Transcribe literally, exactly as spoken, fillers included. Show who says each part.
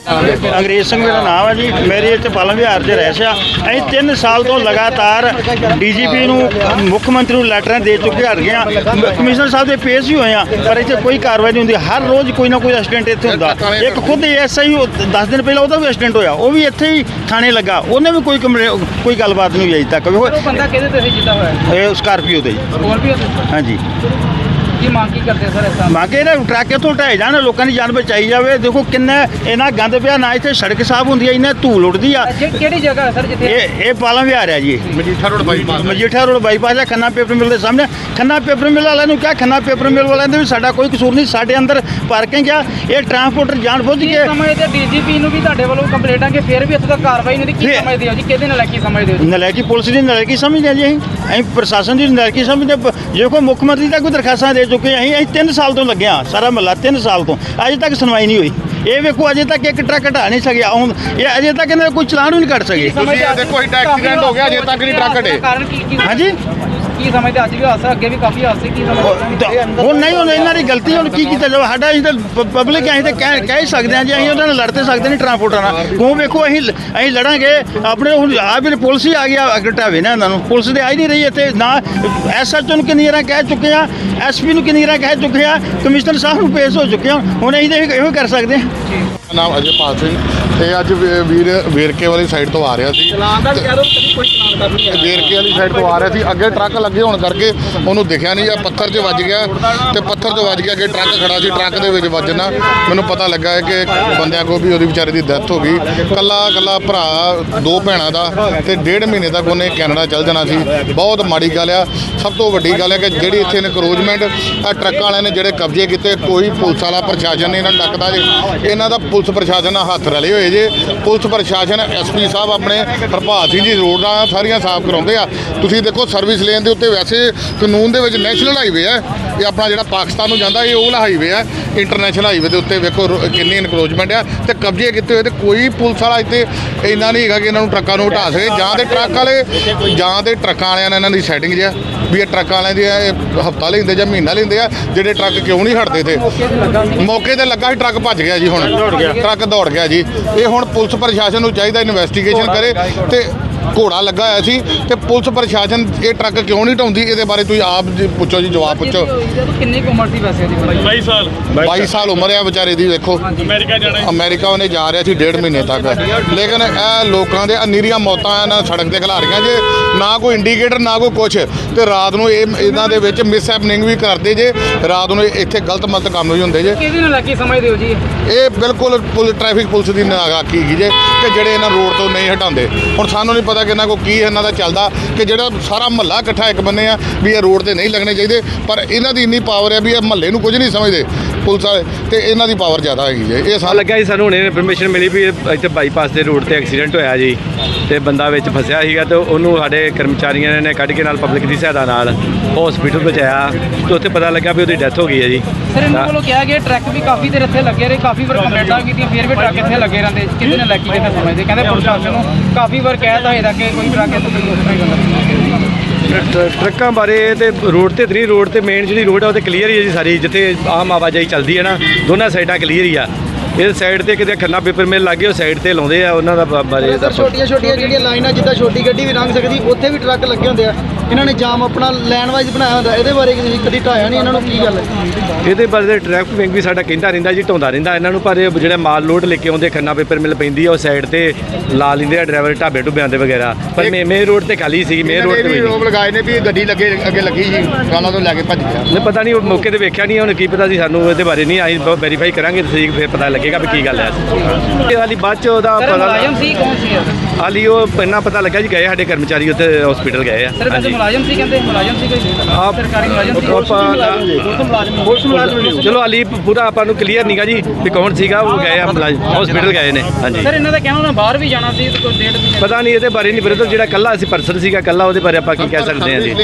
Speaker 1: अंग्रेज सिंह मेरा नाम है जी। मेरे इतने पालन विहार च रह सिया अं तीन साल तो लगातार डी जी पी मुख्य मंत्री लैटर दे चुके हट गए। कमिश्नर साहब के पेश भी हुए हैं पर इतने कोई कार्रवाई नहीं होंगी। हर रोज़ कोई ना कोई एक्सीडेंट इतने होंगे। एक खुद एस आई दस दिन पहले वह भी एक्सीडेंट होया, वो भी इतने ही थाने लगा, उन्हें भी कोई कोई गलबात नहीं हुई तक। स्कार्पियो से हाँ जी।
Speaker 2: की मांग की करते सर ऐसा
Speaker 1: मांगे ना ट्रक इतों ढाए जाने, लोगों की जान बचाई जाए। देखो किन्ना इन्ना गंद पिया ना, इतने सड़क साफ होंगी, इन्ना धूल उड़ती आ।
Speaker 2: किहड़ी जगह है सर जिथे
Speaker 1: ये पालन विहार है जी, Majitha road bypass Majitha road bypass है। खन्ना पेपर मिल के सामने। खन्ना पेपर मिल वाले क्या, खन्ना पेपर मिल वाले भी साडा कोई कसूर नहीं। साडे अंदर पार्किंग आ, ये ट्रांसपोर्टर जान बुझ के
Speaker 2: समझते डी जी पी भी तुहाडे वल्लों कंप्लेंटां कि फिर भी इत्थे तक कार्रवाई नहीं की समझदे हो जी? किहदे नलायकी समझदे हो? नलायकी पुलिस की नलायकी समझदे जी। ਅਸੀਂ प्रशासन की नलायकी समझते। जो कोई मुख्य मंत्री तक कोई दरखास्तां दे चुके हैं। ਅਸੀਂ तीन साल तो लगे हाँ, सारा महला तीन साल तो अजे तक सुनवाई नहीं हुई। ये वेखो अजे तक एक ट्रक हटा नहीं सकिया, ये अजे तक इन्हें कोई चलान भी नहीं कट सके।
Speaker 3: देखो एक्सीडेंट हो गया, अजे तक नहीं ट्रक हटे।
Speaker 2: हाँ जी की समझते अज भी हादसा अगे भी काफ़ी हादसे की
Speaker 1: हूँ नहीं हूँ इन्हों की गलती हूँ की किया जाए। साडा अं तो पब्लिक अं तो कह कह ही सकते हैं जी, अं उन्होंने लड़ तो सकते नहीं ट्रांसपोर्टर। क्यों वेखो अं अं लड़ांगे अपने हूँ आ भी पुलिस ही आ गया अगर ढावे ना इन्होंने। पुलिस तो आई नहीं रही इतने ना। एस एच ओ किन्नी बार कह चुके हैं, एस पी किन्नी बार कह चुके हैं, कमिश्नर साहब को पेश हो चुके हैं। हूँ अं तो यो कर सकते हैं।
Speaker 3: नाम अजयपाल सिंह ये अज वीर वेरके वाली साइड तो आ रहा सी, वेरके वाली साइड तो आ रहा सी। अगे ट्रक लगे होने करके उन्होंने दिखा नहीं, पत्थर च वज गया तो पत्थर च वज गया। अगे ट्रक खड़ा सी, ट्रक के विच वजना मैनूं पता लगा है कि बंदियां को भी वो बेचारे की डेथ हो गई। कला कला भरा दो भैणों का तो डेढ़ महीने तक उन्हें कैनेडा चल जाना सी। बहुत माड़ी गल आ। सब तो वड्डी गल है कि जिहड़ी इत्थे इनकरोचमेंट आ ट्रक वालियां ने जिहड़े कब्जे कीते, कोई पुलिस वाला प्रशासन नहीं इन्हां डकदा जी। इन्हां दा पुलिस प्रशासन हत्थ रले हुए जे। पुलिस प्रशासन एस पी साहब अपने हरपाल सिंह जी रोडां सारियां साफ कराउंदे आ। तुसीं देखो सर्विस लेन दे उत्ते वैसे कानून दे विच नैशनल हाईवे है, ये अपना जिहड़ा पाकिस्तान नूं जांदा ये ओला हाईवे है। इंटरनेशनल हाईवे के उत्ते वेखो किन्नी इनकरोचमेंट आ ते कब्जे कीते हुए, ते कोई पुलिस वाला इत्ते इन्ना नहीं हैगा कि इन्हां नूं ट्रक्कां नूं हटा सके। जां ते ट्रक वाले जां ते ट्रक्कां वालियां ने इन्हां दी सैटिंग जिहा भी ये ट्रक वाले दी हफ्ता लेंदे जां महीना लेंदे आ। जिहड़े ट्रक क्यों नहीं हटदे थे? मौके ते लगा ही ट्रक भज गया जी। हुण ट्रक दौड़ गया जी। ये हुण पुलिस प्रशासन नूं चाहिदा इन्वेस्टिगेशन करे ते घोड़ा लगा होया सी ते पुलिस प्रशासन ये ट्रक क्यों नहीं ढाउंदी? ये बारे तुसीं आप जी पुछो जी, जवाब पुछो।
Speaker 2: किन्नी उम्र सी वैसे दी?
Speaker 4: बाईस साल
Speaker 3: बाईस साल उम्र है बेचारे दी। देखो
Speaker 4: अमेरिका जाना,
Speaker 3: अमेरिका उन्हें जा रहा सी डेढ़ महीने तक। लेकिन ए लोगों के अनीरियां मौतां ना सड़क ते खिलारियां जे, ना कोई इंडीकेटर ना कोई कुछ। तो रात को इन्हां दे विच मिस हैपनिंग भी करते जे, रात को इत्थे गलत मलत काम भी होंदे जे।
Speaker 2: किहदी नलायकी समझदे हो जी?
Speaker 3: ये बिल्कुल ट्रैफिक पुलिस की नालायकी है जे कि जिहड़े इन्हां रोड तो नहीं हटाते। हुण सानूं नहीं पता कि इन्हां को की इन्हां दा चलदा कि जिहड़ा सारा महल्ला इकट्ठा एक बन्ने आ भी ये रोड ते नहीं लगने चाहिए, पर इन्हां दी इन्नी पावर है भी ये महल्ले नूं कुछ नहीं समझते पुलिस वाले, तो इन्हां दी पावर ज़्यादा हैगी जे। ये सारा
Speaker 5: लग्या जी सानूं हुणे इन्फॉर्मेशन मिली भी इत्थे बाईपास के रोड ते एक्सीडेंट होया जी, ते बंदा विच फसिया सीगा ते उहनूं साडे कर्मचारियों ने कढ के नाल पब्लिक की सहायता नाल हॉस्पिटल पहुँचाया तो उत्थे पता लगा भी उसदी डेथ हो गई है जी।
Speaker 2: सर इन्होंने वालों कहा गया ट्रक भी काफ़ी देर इत्थे लगे रहे, काफ़ी बार कंप्लेंटां कीतियां, फिर भी ट्रक इत्थे लगे रहंदे। किहदे नलायकी किहदे समझदे? कहंदे प्रशासन नूं काफ़ी बार कहता है कि कोई ट्रक इत्थे कोई उस तरह गल
Speaker 5: ट्रकों बारे तो रोड तो इतनी रोड तो मेन जी रोड है वो क्लीयर ही है जी सारी, जिथे आम आवाजाही चलती है ना दोनों साइडा क्लीयर ही आ। इस साइड से कितने खन्ना पेपर मिल लागे उस साइड से लाते हैं उन्होंने बारे।
Speaker 6: छोटिया छोटिया जी लाइना जिदा छोटी गड्डी भी लंघ सकती उत्थे भी ट्रक लगे होंगे। इन्होंने जाम अपना लैन वाइज बनाया होंगे, ये बारे कभी ढाया नहीं इन्होंने की गल है?
Speaker 5: ये बारे ट्रैफिक विंग भी साडा कहता रहिंदा जी, ढाउंदा रहिंदा इन्हों, पर जो माल लोड लेके आते खन्ना पेपर मिल पैंदी है उस साइड से ला लेंदे ड्राइवर ढाबे ढुबियां दे वगैरह, पर मेन रोड से खाली सी। मेन रोड से
Speaker 3: रोक लगाए ने भी गड्डी लगे अगे लगी जी, गाना तो लैके भज गया।
Speaker 5: नहीं पता नहीं मौके पर वेख्या नहीं, हुण की पता सी सानूं इहदे बारे नहीं आई वेरीफाई करांगे ठीक फिर पता लगेगा भी की गल है। हाली बाद च ओहदा पता हाली वो इन्ना पता लगा जी, गए साडे कर्मचारी उत्थे हॉस्पिटल गए आ।
Speaker 2: सर वैसे मुलाजम सी कहंदे मुलाजम सी कोई आप सरकारी मुलाजम सी पुलिस मुलाजम?
Speaker 5: चलो हाली पूरा आपां नूं क्लीयर नहीं गा जी भी कौन सीगा, वो गए हॉस्पिटल गए ने। हाँ जी
Speaker 2: सर इन्हां दा कहना बाहर भी जाना सी, कोई डेढ़
Speaker 5: पता नहीं ये बारे नहीं, पर जो कल्ला पर्सन सीगा कल्ला, वो बारे आप की कह सकते हैं जी।